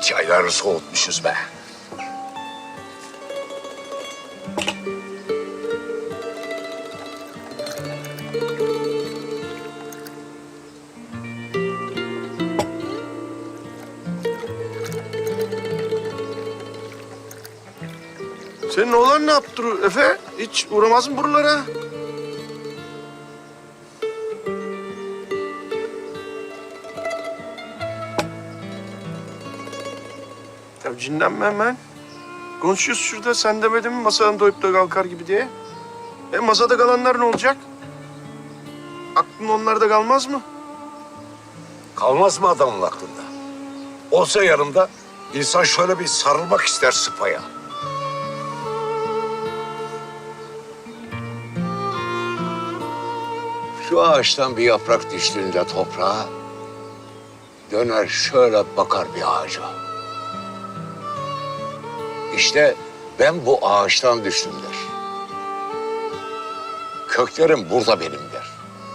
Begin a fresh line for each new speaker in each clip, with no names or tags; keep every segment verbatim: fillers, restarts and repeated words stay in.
çayları soğutmuşuz be.
Senin oğlan ne yaptı Efe? Hiç uğramaz mı buralara? Ya cinlenme hemen. Konuşuyoruz şurada. Sen demedin mi masadan doyup da kalkar gibi diye? E masada kalanlar ne olacak? Aklın onlarda kalmaz mı?
Kalmaz mı adamın aklında? Olsa yanımda insan şöyle bir sarılmak ister sıpaya. Şu ağaçtan bir yaprak düştüğünde toprağa döner şöyle bakar bir ağaca. İşte ben bu ağaçtan düştüm der. Köklerim burada benim der.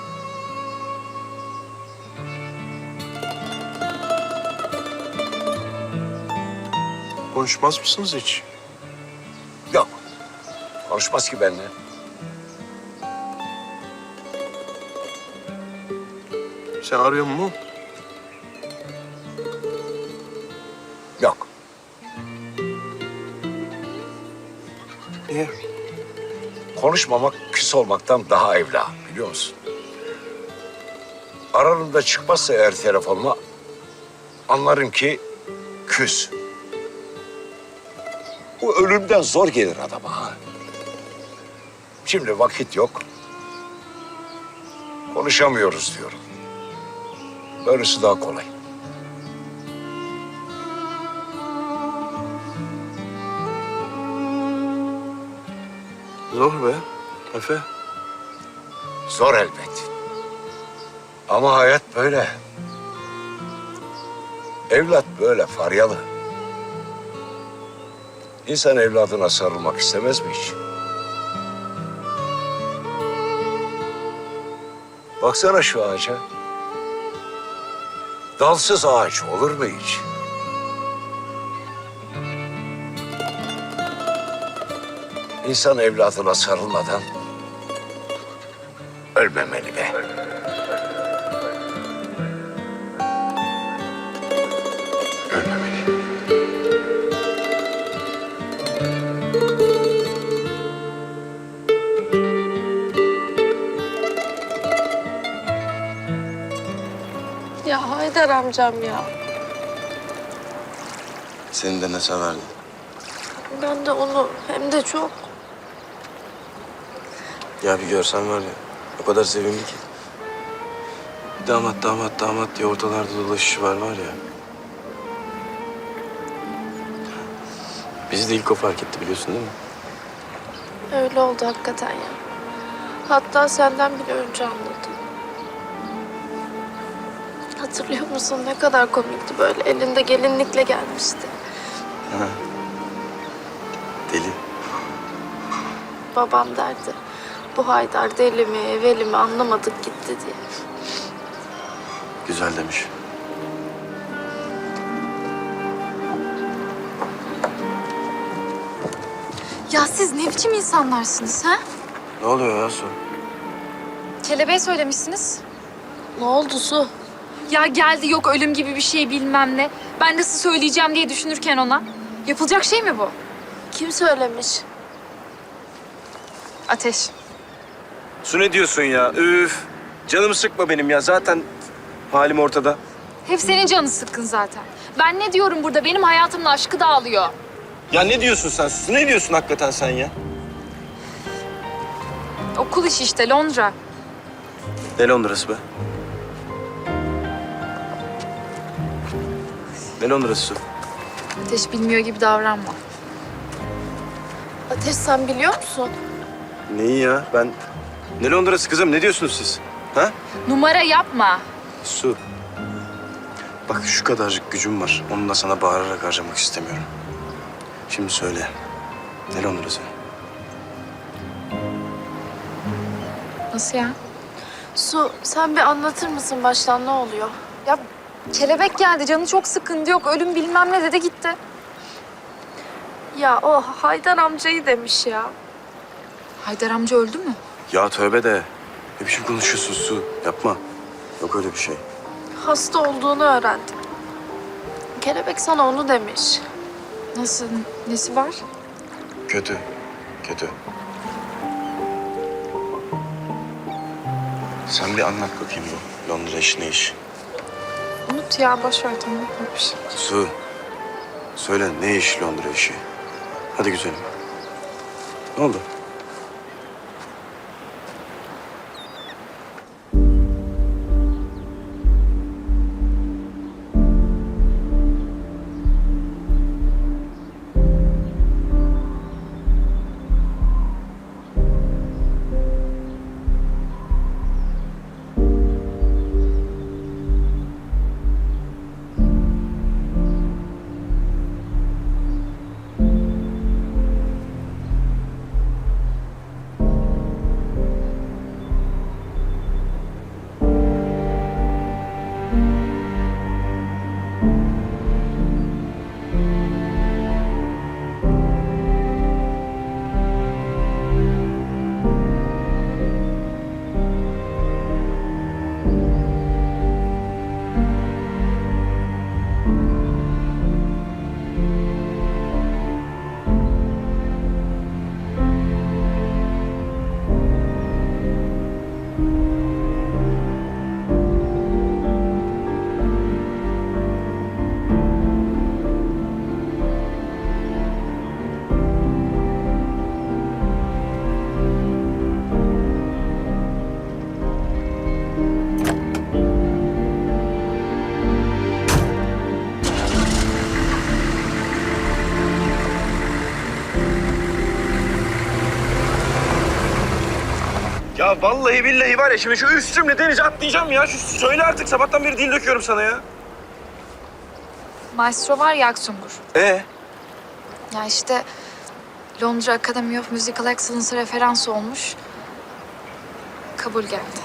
Konuşmaz mısınız hiç?
Yok. Konuşmaz ki benimle.
Sen arıyor mu?
Yok.
Niye?
Konuşmamak küs olmaktan daha evla biliyor musun? Aralarında çıkmazsa eğer telefonuma anlarım ki küs. Bu ölümden zor gelir adama ha. Şimdi vakit yok. Konuşamıyoruz diyorum. Böylesi daha kolay.
Zor be Efe.
Zor elbet. Ama hayat böyle. Evlat böyle faryalı. İnsan evladına sarılmak istemez mi hiç? Baksana şu ağaca. Dalsız ağaç olur mu hiç? İnsan evladına sarılmadan ölmemeli be. Ölmemeli.
Ya Haydar amcam ya.
Seni de ne severdi?
Ben de onu hem de çok.
Ya bir görsen var ya, o kadar sevimli ki. Damat, damat, damat diye ortalarda dolaşışı var var ya. Bizi de ilk o fark etti biliyorsun değil mi?
Öyle oldu hakikaten ya. Hatta senden bile önce anladım. Hatırlıyor musun ne kadar komikti böyle. Elinde gelinlikle gelmişti.
Ha. Deli.
Babam derdi. Bu Haydar deli mi, veli mi anlamadık gitti diye.
Güzel demiş.
Ya siz ne biçim insanlarsınız ha?
Ne oluyor ya Su?
Kelebeğe söylemişsiniz.
Ne oldu Su?
Ya geldi yok ölüm gibi bir şey bilmem ne. Ben nasıl söyleyeceğim diye düşünürken ona. Yapılacak şey mi bu?
Kim söylemiş?
Ateş.
Su ne diyorsun ya? Üf. Canımı sıkma benim ya. Zaten halim ortada.
Hep senin canın sıkkın zaten. Ben ne diyorum burada? Benim hayatımın aşkı dağılıyor.
Ya ne diyorsun sen? Su ne diyorsun hakikaten sen ya?
Okul işi işte Londra.
Ne Londra'sı be? Ne Londra'sı Su?
Ateş bilmiyor gibi davranma.
Ateş sen biliyor musun?
Neyi ya? Ben... Ne Londra'sı kızım? Ne diyorsunuz siz? Ha?
Numara yapma.
Su. Bak şu kadarcık gücüm var. Onu da sana bağırarak harcamak istemiyorum. Şimdi söyle. Ne Londra'sı?
Nasıl ya?
Su sen bir anlatır mısın baştan ne oluyor? Ya
Kelebek geldi, canı çok sıkındı, yok ölüm bilmem ne dedi gitti.
Ya o Haydar amcayı demiş ya.
Haydar amca öldü mü?
Ya tövbe de. Ne biçim konuşuyorsun Su? Yapma. Yok öyle bir şey.
Hasta olduğunu öğrendim. Kelebek sana onu demiş.
Nasıl, nesi var?
Kötü. Kötü. Sen bir anlat bakayım bu Londra işi ne iş?
Unut ya, boş ver, tamam, yok bir şey.
Su. Söyle ne iş Londra işi? Hadi güzelim. Ne oldu?
Ya vallahi billahi var ya şimdi şu üstümle denize atlayacağım ya. Şu söyle artık sabahtan beri dil döküyorum sana ya.
Maestro var ya Aksungur.
Ee?
Ya işte Londra Academy of Musical Excellence'a referans olmuş. Kabul geldi.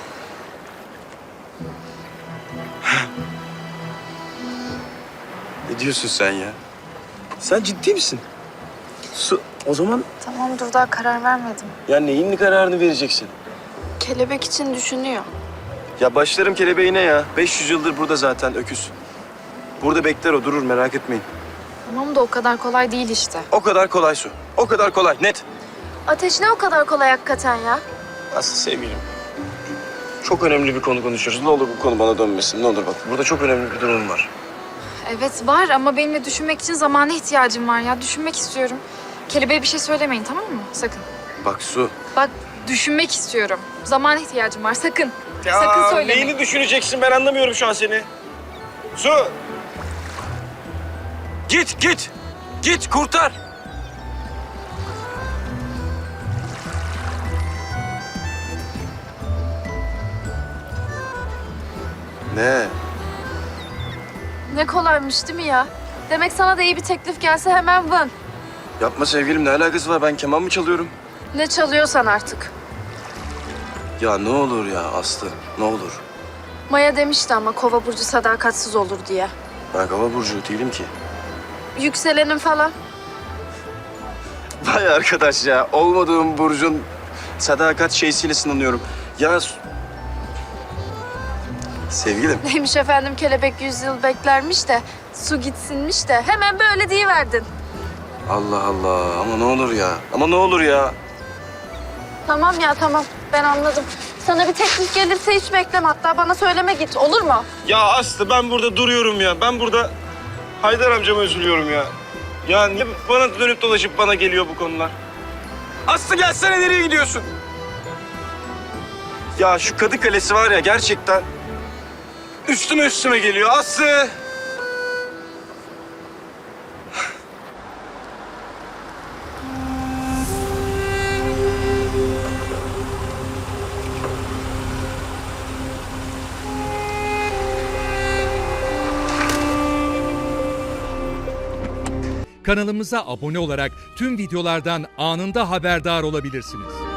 Ne diyorsun sen ya? Sen ciddi misin? Su, o zaman
Tamam, dur, daha karar vermedim.
ya neyin kararını vereceksin?
Kelebek için düşünüyor.
Ya başlarım kelebeğine ya. beş yüz yıldır burada zaten öküz. Burada bekler o, durur, merak etmeyin.
Tamam da o kadar kolay değil işte.
O kadar kolay Su. O kadar kolay, net.
Ateş ne o kadar kolay hakikaten ya?
Aslı sevgilim. Çok önemli bir konu konuşuyoruz. Ne olur bu konu bana dönmesin. Ne olur bak. Burada çok önemli bir durum var.
Evet var ama benim de düşünmek için zamana ihtiyacım var ya. Düşünmek istiyorum. Kelebeğe bir şey söylemeyin, tamam mı? Sakın.
Bak Su.
Bak, düşünmek istiyorum. Zamana ihtiyacım var, sakın. Sakın söylemeyin.
Neyini düşüneceksin ben anlamıyorum şu an seni. Su. Git git. Git kurtar.
Ne?
Ne kolaymış değil mi ya? Demek sana da iyi bir teklif gelse hemen vın.
Yapma sevgilim, ne alakası var? Ben keman mı çalıyorum?
Ne çalıyorsan artık.
Ya ne olur ya Aslı, ne olur.
Maya demişti ama Kova burcu sadakatsiz olur diye.
Ben Kova burcu değilim ki.
Yükselenin falan.
Vay arkadaş ya, olmadığım burcun sadakat şeysiyle sınanıyorum. Ya Su- sevgilim.
Neymiş efendim, kelebek yüz yıl beklermiş de su gitsinmiş de hemen böyle deyiverdin.
Allah Allah, ama ne olur ya, ama ne olur ya.
Tamam ya, tamam, ben anladım. Sana bir teklif gelirse hiç bekleme, hatta bana söyleme, git, olur mu?
Ya Aslı ben burada duruyorum ya. Ben burada Haydar amcama üzülüyorum ya. Ya niye bana dönüp dolaşıp bana geliyor bu konular? Aslı gelsene, nereye gidiyorsun? Ya şu Kadı Kalesi var ya gerçekten üstüme üstüme geliyor Aslı.
Kanalımıza abone olarak tüm videolardan anında haberdar olabilirsiniz.